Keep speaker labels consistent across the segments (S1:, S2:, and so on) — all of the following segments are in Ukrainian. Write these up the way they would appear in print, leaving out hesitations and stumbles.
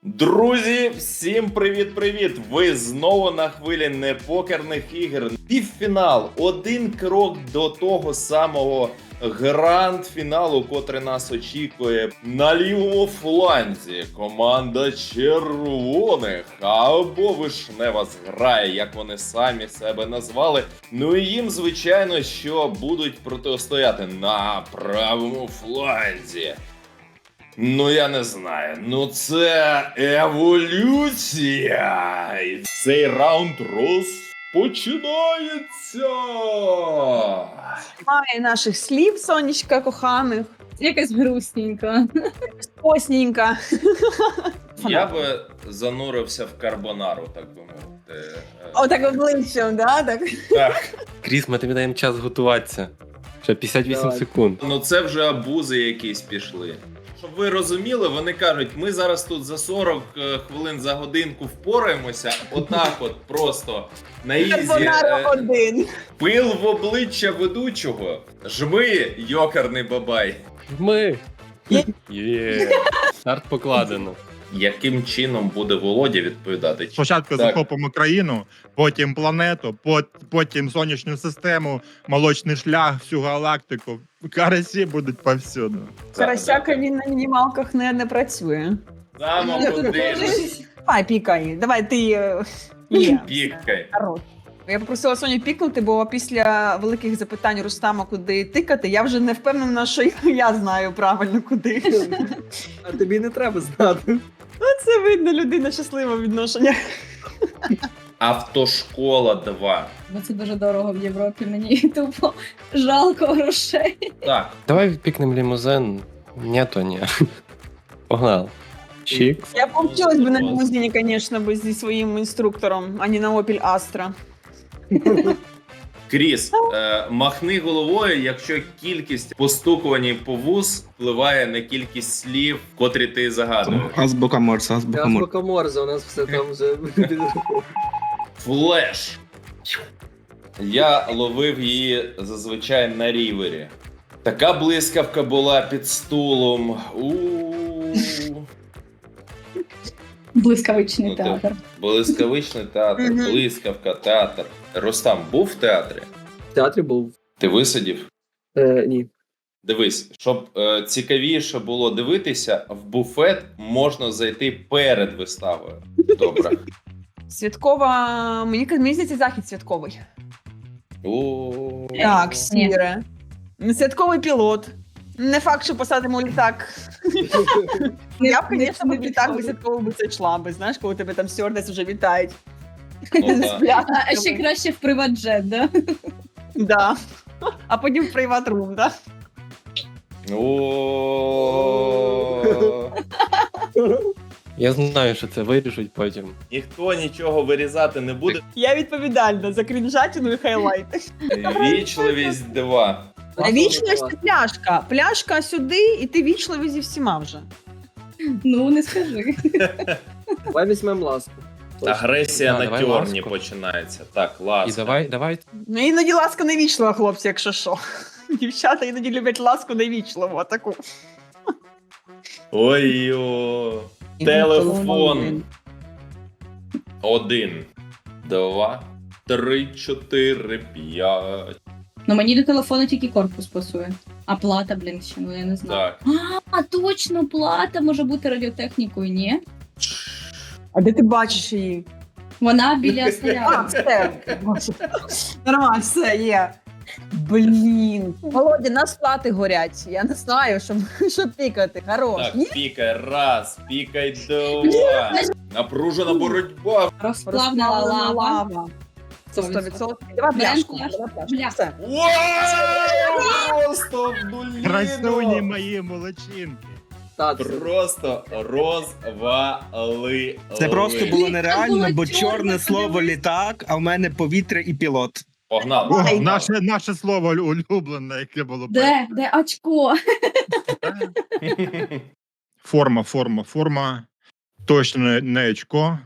S1: Друзі, всім привіт-привіт! Ви знову на хвилі непокерних ігор. Півфінал. Один крок до того самого гранд-фіналу, котрий нас очікує. На лівому фланзі команда червоних або вишнева зграя, як вони самі себе назвали. Ну і їм, звичайно, що будуть протистояти на правому фланзі. Ну, я не знаю. Ну, це еволюція. І цей раунд розпочинається.
S2: Немає наших слів, сонечка коханих.
S3: Якась грустненька.
S2: Посненька.
S1: Я би занурився в карбонару, так би мовити.
S2: Отак обличчям, да? Так.
S1: Так.
S4: Кріс, ми тобі даємо час готуватися. Ще 58
S2: Давай.
S4: секунд.
S1: Ну, це вже абузи якісь пішли. Щоб ви розуміли, вони кажуть, ми зараз тут за 40 хвилин за годинку впораємося, отак от просто на ізі.
S2: Карбонара один.
S1: Пил в обличчя ведучого. Жми, йокарний бабай.
S4: Ми! Є! Старт покладено.
S1: Яким чином буде Володя відповідати?
S5: Спочатку
S1: Так.
S5: захопимо країну, потім планету, потім сонячну систему, молочний шлях, всю галактику. Карасі будуть повсюду.
S2: Карасяка він на мінімалках не працює.
S1: Саме куди ж
S2: Давай, пікай. Давай, ти є.
S1: пікай.
S2: Хорош. Я попросила Соню пікнути, бо після великих запитань Рустама, куди тикати, я вже не впевнена, що я знаю правильно куди.
S6: А тобі не треба знати.
S2: Це видно, людина щаслива в відношеннях.
S1: Автошкола 2.
S3: Бо це дуже дорого в Європі. Мені тупо жалко грошей.
S1: Так,
S4: Давай пікнемо лімузин. Ні, то ні. Погнали. Чік.
S2: Я повчилась би на лімузині, звісно, бо зі своїм інструктором, а не на Opel Astra.
S1: Кріс, махни головою, якщо кількість постукувань по вуз впливає на кількість слів, котрі ти загадуєш.
S6: Азбука Морса, азбука Морса. Азбука Морса, у нас все там вже
S1: Флеш. Я ловив її зазвичай на рівері. Така блискавка була під стулом.
S3: Блискавичний
S1: Ну, ти-
S3: театр.
S1: Блискавичний театр,
S2: Мгм.
S1: блискавка, театр. Рустам був в театрі?
S6: в театрі був.
S1: Ти висидів?
S6: Ні.
S1: Дивись, щоб цікавіше було дивитися, в буфет можна зайти перед виставою. Добре.
S2: Святкова, мені здається, захід святковий. Так, сіре. Святковий пілот. Не факт, що посадимо літак. Я б, звісно, в літак би святково би це йшла би, знаєш, коли тебе там стюардес вже вітають.
S1: Ну,
S2: З
S1: так.
S2: пляшками.
S3: А ще краще в приват-джет, да?
S2: Да. А потім в приват-рум, да?
S1: О.
S4: Я знаю, що це вирішуть потім.
S1: Ніхто нічого вирізати не буде.
S2: Я відповідальна за крінжатину і хайлайти.
S1: Вічливість 2.
S2: Вічливість це пляшка. Пляшка сюди, і ти вічливий зі всіма вже.
S3: Ну, не скажи.
S6: Давай візьмемо ласку.
S1: Агресія
S4: Да,
S1: на
S4: давай
S1: тьорні
S4: ласку.
S1: починається. Так,
S4: І
S1: ласка.
S4: давай.
S2: Ну, іноді ласка не вічлива, хлопці, якщо що. Дівчата іноді люблять ласку невічливу, таку.
S1: Ой-йо. Телефон. 1, 2, 3, 4, 5.
S3: Ну, мені до телефону тільки корпус пасує. А плата, блін, ще, ну я не знаю.
S1: Так.
S3: А, точно, плата може бути радіотехнікою, ні?
S2: А де ти бачиш її?
S3: Вона біля
S2: А,
S3: снаряду.
S2: все. Нормально, все, є. Блін. Володя, нас плати горять. Я не знаю, що пікати. Хорош. Ні?
S1: Так, пікай раз, пікай 2. Напружена боротьба.
S3: Розплавна лава.
S2: Це 100%. Давай
S3: Берем
S2: пляшку.
S3: пляшку.
S2: Давай пляшку.
S3: Бля.
S2: Все.
S1: Вау! Просто
S5: Красуні
S1: вдуліно.
S5: мої молодчинки.
S1: Просто розвалили.
S7: Це просто було нереально,
S3: було
S7: бо
S3: чорне,
S7: чорне слово
S3: подивись.
S7: літак, а в мене повітря і пілот.
S1: Погнали.
S5: О,
S2: Ай.
S5: наше слово улюблене, яке було
S3: Де очко?
S5: Форма. Точно не очко.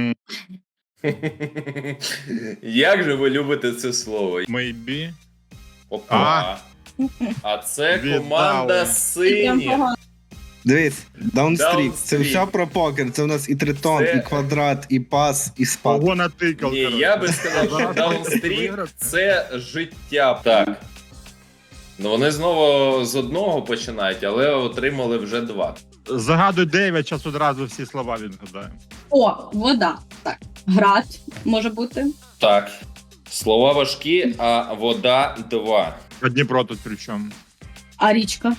S1: Як же ви любите це слово?
S5: Maybe.
S1: Опа. А це
S5: Віддали.
S1: команда
S3: Прям
S1: синіх.
S3: погано.
S7: Дивись, даунстрік. Це
S1: Даунстрік.
S7: все про покер. Це у нас і тритон,
S1: Це-
S7: і квадрат, і пас, і спад.
S5: Ого, натикав.
S1: Ні,
S5: коротше.
S1: я би сказав, що
S5: Зараз
S1: даунстрік
S5: виграв.
S1: це життя. Так. Ну вони знову з одного починають, але отримали вже 2.
S5: Загадуй 9, час одразу всі слова відгадаю.
S3: О, вода. Так. Град може бути.
S1: Так. Слова важкі, а вода 2.
S5: А Дніпро тут при чому?
S3: А річка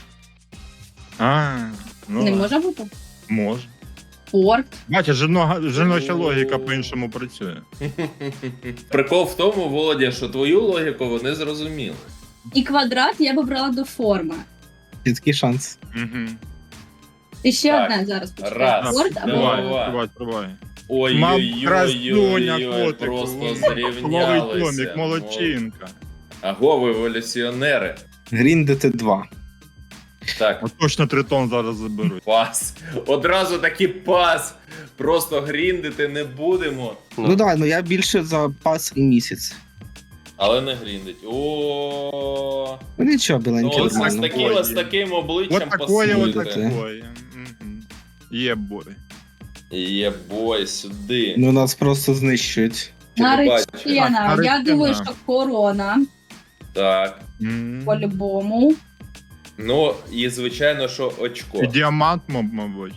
S5: Ну,
S3: не може бути.
S5: може.
S3: Порт.
S5: Бачиш, жіноча логіка по-іншому працює.
S1: Прикол в тому, Володя, що твою логіку вони зрозуміли.
S3: І квадрат я би брала до форми.
S7: Чіткий шанс.
S5: Угу.
S3: І ще
S1: Так.
S3: одне зараз почекай.
S1: Раз,
S3: Порт або
S1: два.
S5: Тривай.
S1: Ой-ой-ой,
S5: котику.
S1: просто
S5: Новий
S1: зрівнялися.
S5: томік, молодчинка.
S1: Аго, ви еволюціонери.
S7: Гріндити 2.
S1: Так,
S5: От точно тритон зараз заберуть.
S1: пас. Одразу такий пас. Просто гріндити не будемо.
S7: Ну давай, ну я більше за пас і місяць.
S1: Але не гріндить. О,
S7: Ну нічого,
S1: ну
S7: біленький
S1: ось
S7: нормально.
S1: з таким обличчям
S5: Вот такое, вот
S1: пасуєте.
S5: такое. Є бой.
S1: Є бой сюди.
S7: Ну нас просто знищують.
S1: Чи ви бачите?
S3: Наречена. Я
S5: Наречена.
S3: думаю, що корона
S1: Так.
S3: по-любому.
S1: Ну, і звичайно, що очко.
S5: І діамант, мабуть.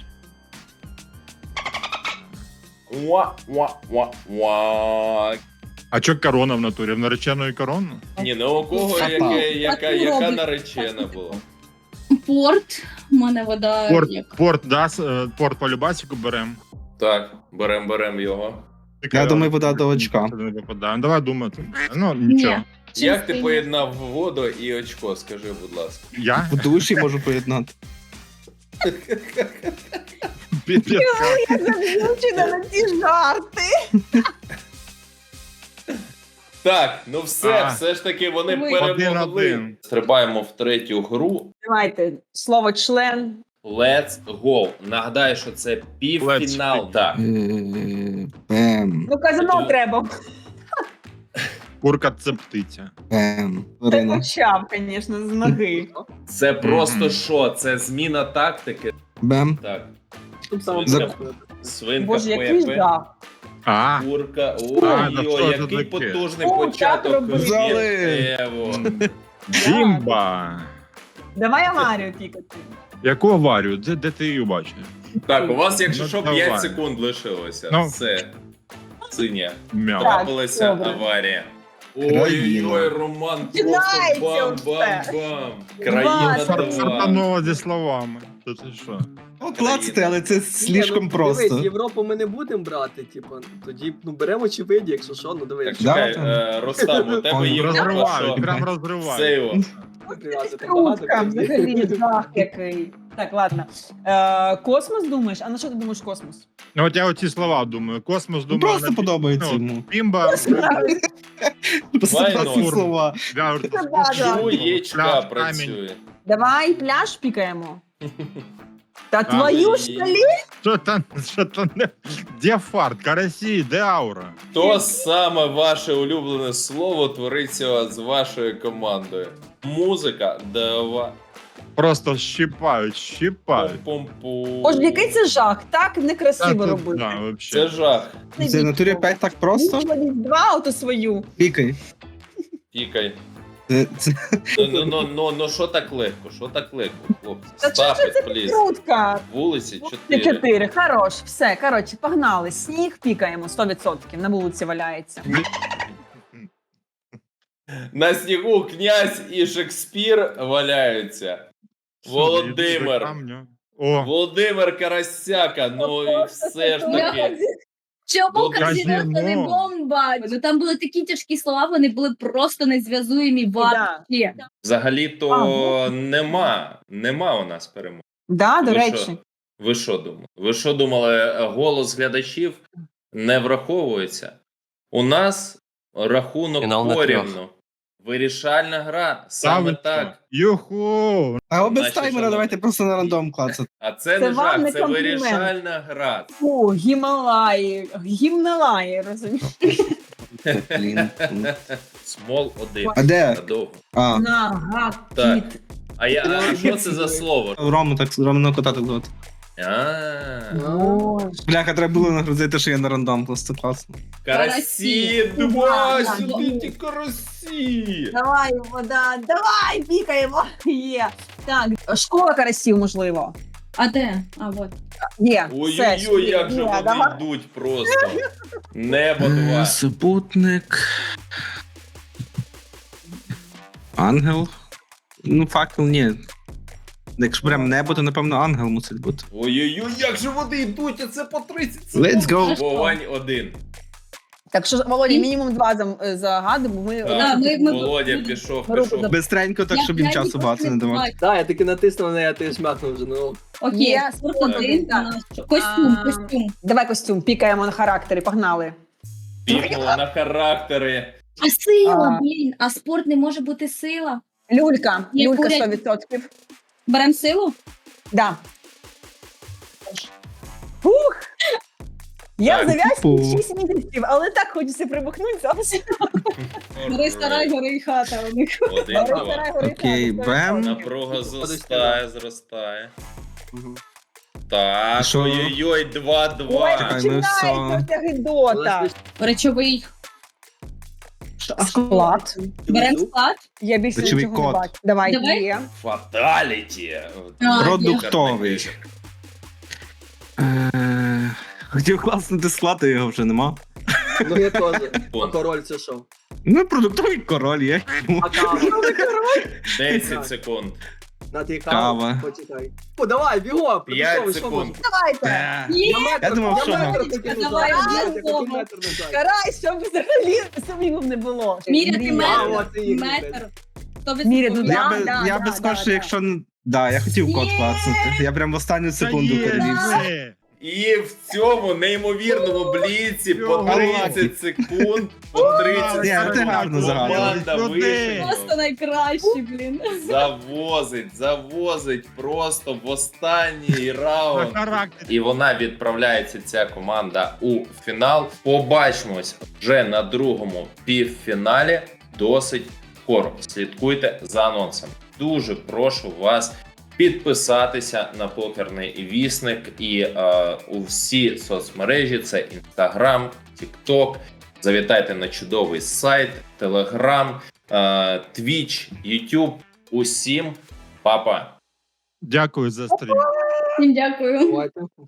S1: Уа.
S5: А чо корона в натурі? В нареченої корона?
S1: Ні, ну у кого
S7: Папа.
S1: яка наречена була?
S3: Порт. У мене вода як.
S5: Порт по любасіку берем.
S1: Так, берем його.
S7: Я думаю, вода до очка.
S5: Не випадає. Давай думати. Ну, нічого.
S3: Ні.
S1: Як ти
S3: Чистий.
S1: поєднав воду і очко, скажи, будь ласка.
S5: Я?
S7: В душі можу поєднати.
S5: Піпець.
S2: Я зазвучена на ці жарти.
S1: Так, ну все ж таки вони
S3: Ми-
S1: перемогли.
S5: 1-1.
S1: Стрибаємо в третю гру.
S2: Давайте, слово член.
S1: Let's go. Нагадаю, що це півфінал.
S5: Let's
S1: Так.
S7: Бем,
S2: Ну, казано треба.
S5: Курка це птиця.
S7: бем.
S2: Ти
S7: Ірина.
S2: почав, звісно, з ноги.
S1: Це просто
S5: Мгм.
S1: що? Це зміна тактики.
S7: Бем.
S1: Так.
S6: Щоб саме
S1: За-
S6: почав.
S1: Свинка
S2: Боже, який
S1: Пепе.
S2: жах.
S1: Курка.
S5: А,
S1: Ой,
S5: да що ж
S1: який
S5: таке?
S1: потужний
S2: О,
S1: початок.
S2: так робили.
S7: Зали.
S1: Ево.
S5: Бімба!
S2: Давай аварію пікати.
S5: Яку аварію? Де ти її бачиш?
S1: Так, у вас, якщо
S5: Ну,
S1: що,
S5: давай.
S1: 5 секунд лишилося.
S5: Ну.
S1: Все. Синя.
S5: Мяу.
S2: Так.
S1: Трапилася
S2: добре.
S1: аварія.
S7: Країна.
S1: Ой-ой-ой, Роман просто
S2: Починається
S1: бам-бам-бам.
S2: все.
S1: Країна
S2: Два.
S1: 2.
S5: Сартанова зі словами. Це ти що?
S7: Ну, клацати, але це
S6: Ні,
S7: слишком
S6: ну,
S7: просто.
S6: Дивись, Європу ми не будемо брати, типу, тоді беремо очевидні, якщо що, ну
S1: Так,
S6: дивись.
S1: чекай,
S7: Да,
S1: Ростам, у тебе є
S5: Розривають,
S1: що?
S5: прям
S1: Все
S5: розривають.
S1: його.
S6: Прив'язати там багато
S2: Трутка,
S6: людей.
S2: взагалі, жах який. Так, ладно. Космос думаєш? А на що ти думаєш космос?
S5: Ну от я оці слова думаю. Космос
S7: Ну,
S5: думаю.
S7: просто подобається йому.
S5: Бімба,
S7: Просто
S1: Вайно.
S7: класні слова.
S1: Чуєчка
S5: Пляж,
S1: працює.
S2: Давай пляж пікаємо. Та
S1: А,
S2: твою
S1: і-
S2: ж колі.
S5: що там, де фарт, карасі, де аура?
S1: То саме ваше улюблене слово твориться з вашою командою. Музика, давай.
S5: Просто щипають.
S1: Пум-пум-пум.
S2: Боже, який це жах, так
S5: Та
S2: некрасиво
S5: тут,
S2: робити.
S5: да,
S1: Це
S5: вообще.
S1: жах.
S7: Це в натурі 5 так просто?
S2: Два ото свою.
S7: Пікай.
S1: Пікай.
S7: Це
S1: Ну, що так легко? Що так легко, хлопці?
S2: Та чого
S1: Stop
S2: ж це
S1: it, please.
S2: трутка?
S1: Вулиці
S2: Це
S1: 4.
S2: 4, хорош, все, коротше, погнали. Сніг пікаємо 100%, на вулиці валяється.
S1: На снігу князь і Шекспір валяються. Володимир.
S5: О,
S1: Володимир Карасяка, ну і все ж таки.
S3: Чому
S5: казино.
S3: казино не бомба? Ну там були такі тяжкі слова, вони були просто незв'язуємі вообще.
S1: Взагалі-то нема у нас перемоги.
S2: Да, до
S1: Ви
S2: речі.
S1: що? Ви що думали? Ви що думали, голос глядачів не враховується? У нас рахунок
S4: Фінал на
S1: порівну. Вирішальна гра, саме так.
S5: Юху!
S7: А без
S1: Наші
S7: таймера
S1: шановні.
S7: давайте просто на рандом клацати.
S1: А це
S2: Це
S1: не
S2: вам
S1: жах,
S2: не
S1: це
S2: комплімент.
S1: вирішальна гра.
S2: О, Гімалаї, гімналаї, розумієш?
S7: Блін.
S1: Смол 1.
S7: А де?
S1: Надовго.
S7: А,
S2: Нага,
S1: Так.
S2: кіт.
S1: А що це за слово?
S7: Рому так Романа кота так звати. Бляха, треба було нагрузити, що я на рандом, просто класно.
S1: Карасі,
S3: Да,
S1: два,
S3: да,
S1: сюди ті карасі.
S2: Давай, вода, давай, пікаємо. Є. Так, школа карасів, можливо.
S3: А де? А, от.
S2: Є. все,
S1: Ой-ой-ой, як же
S2: є,
S1: вони
S2: давай.
S1: йдуть просто. Небо два.
S7: Супутник. Ангел. Ну, факел, ні. Якщо прям небо, то напевно ангел мусить бути.
S1: Ой-ой-ой, як же вони йдуть, а це по 30 секунд.
S7: Let's go!
S1: Вовань 1.
S2: Так що, Володя, мінімум 2 загадуємо, бо ми...
S1: Так,
S3: ми-
S1: Володя пішов,
S2: Групу
S1: пішов.
S7: Бистренько, так, щоб їм часу багато не давати.
S6: Да, я таки натиснув на неї, а ти шмякнув вже, ну.
S3: Окей,
S2: Є,
S3: спорт
S2: спорт
S3: 1
S2: один,
S3: у
S2: так.
S3: нас що? Костюм,
S2: А,
S3: костюм.
S2: Давай костюм, пікаємо на характері, погнали.
S1: Пікнуло на характери.
S3: А сила,
S2: А.
S3: блін, а спорт не може бути сила.
S2: Люлька,
S3: Є
S2: люлька
S3: поряд.
S2: 100%.
S3: Берем силу?
S2: Да. Фух! Я
S1: Так,
S2: в зав'язці
S7: фу.
S2: 6 місяців, але так хочеться прибухнути зараз.
S3: Гори сарай, гори і хата у них.
S1: 1-2.
S7: Окей, бем.
S1: Напруга зростає, зростає.
S6: Мгм.
S1: Так,
S7: Що?
S1: ой-ой-ой,
S2: Ой,
S1: 2-2.
S7: Чекай, ми все.
S2: починається оця гидота.
S3: Речовий.
S2: Склад.
S3: Берем склад.
S2: Я більше
S7: Речовий
S2: нічого не
S7: код.
S2: бачу. Давай,
S3: Давай.
S2: є.
S1: Фаталіті.
S3: А,
S7: Продуктовий. Хотів класнути склад, а його вже нема.
S6: Ну я теж. А
S1: Вон.
S6: король це що?
S7: Ну, продуктовий король є.
S6: А кава?
S1: 10 секунд.
S6: На ти
S7: Кава.
S6: кава? Почекай. О, давай, бігом!
S1: 5 секунд.
S2: Давайте.
S3: Є.
S7: Я думав, що
S3: Давай,
S2: Карай, щоб взагалі сумнівів не було.
S3: Міряти
S2: Мрія.
S3: метр. Метр.
S2: Міряти,
S3: Метр.
S2: да.
S7: Я би скажу, що якщо... Я хотів код
S3: Є.
S7: класнути. Я прям в останню секунду
S5: Та є,
S7: перевівся.
S5: є.
S1: І в цьому неймовірному бліці по 30 секунд, по 30
S7: Ні,
S1: секунд
S7: ти гарно загадав.
S1: команда
S5: Сюди.
S1: Вишенько
S3: Просто найкращий, блін.
S1: завозить просто в останній
S5: На
S1: раунд.
S5: характер.
S1: І вона відправляється, ця команда, у фінал. Побачимось вже на другому півфіналі. Досить скоро. Слідкуйте за анонсами. Дуже прошу вас підписатися на покерний вісник і у всі соцмережі: це Instagram, TikTok. Завітайте на чудовий сайт, Telegram, Twitch, YouTube. Усім па-па!
S5: Дякую за стрім.
S3: Всім дякую.
S6: Давайте.